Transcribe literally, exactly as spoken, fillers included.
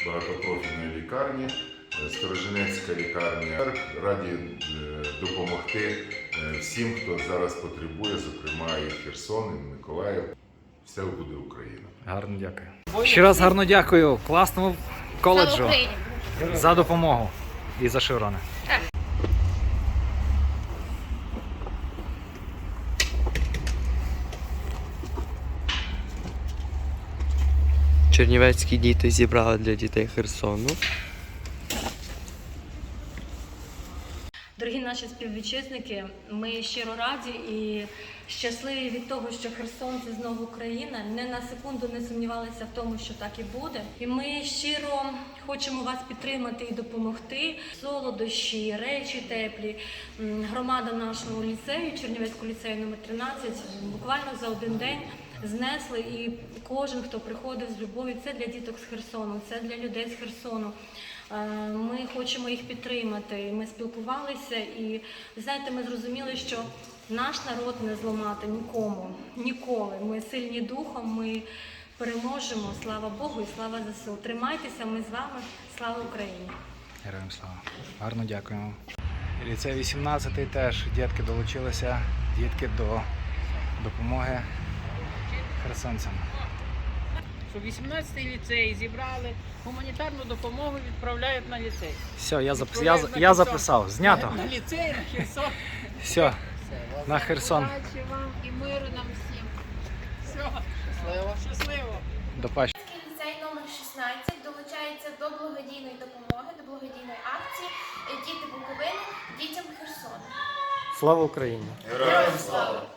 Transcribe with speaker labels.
Speaker 1: багатопрофільної лікарні, Сторожинецька лікарня. Раді допомогти всім, хто зараз потребує, зокрема і Херсон, і Миколаїв. Все буде Україна.
Speaker 2: Гарно дякую. Ще раз гарно дякую класному коледжу за допомогу і за шеврони.
Speaker 3: Чернівецькі діти зібрали для дітей Херсону.
Speaker 4: Дорогі наші співвітчизники, ми щиро раді і щасливі від того, що Херсон – це знову Україна. Не на секунду не сумнівалися в тому, що так і буде. І ми щиро хочемо вас підтримати і допомогти. Солодощі, речі теплі. Громада нашого ліцею, Чернівецького ліцею номер тринадцять, буквально за один день знесли, і кожен, хто приходив з любов'ю, це для діток з Херсону, це для людей з Херсону. Ми хочемо їх підтримати. Ми спілкувалися і, знаєте, ми зрозуміли, що наш народ не зламати нікому, ніколи. Ми сильні духом, ми переможемо. Слава Богу і слава ЗСУ. Тримайтеся, ми з вами. Слава Україні!
Speaker 2: Героям слава. Гарно дякуємо. Ліцей вісімнадцятий теж дітки долучилися, дітки до допомоги херсонцям.
Speaker 5: Що вісімнадцятий ліцей зібрали, гуманітарну допомогу відправляють на ліцей.
Speaker 2: Все, я, запис... я, я записав. Знято.
Speaker 5: На ліцей, на Херсон.
Speaker 2: Все, на Херсон.
Speaker 5: Удачі вам і миру нам всім. Все, щасливо. Щасливо.
Speaker 2: До пащі.
Speaker 6: Ліцей номер шістнадцять долучається до благодійної допомоги, до благодійної акції «Діти Буковини дітям Херсону».
Speaker 2: Слава Україні!
Speaker 1: Героям слава!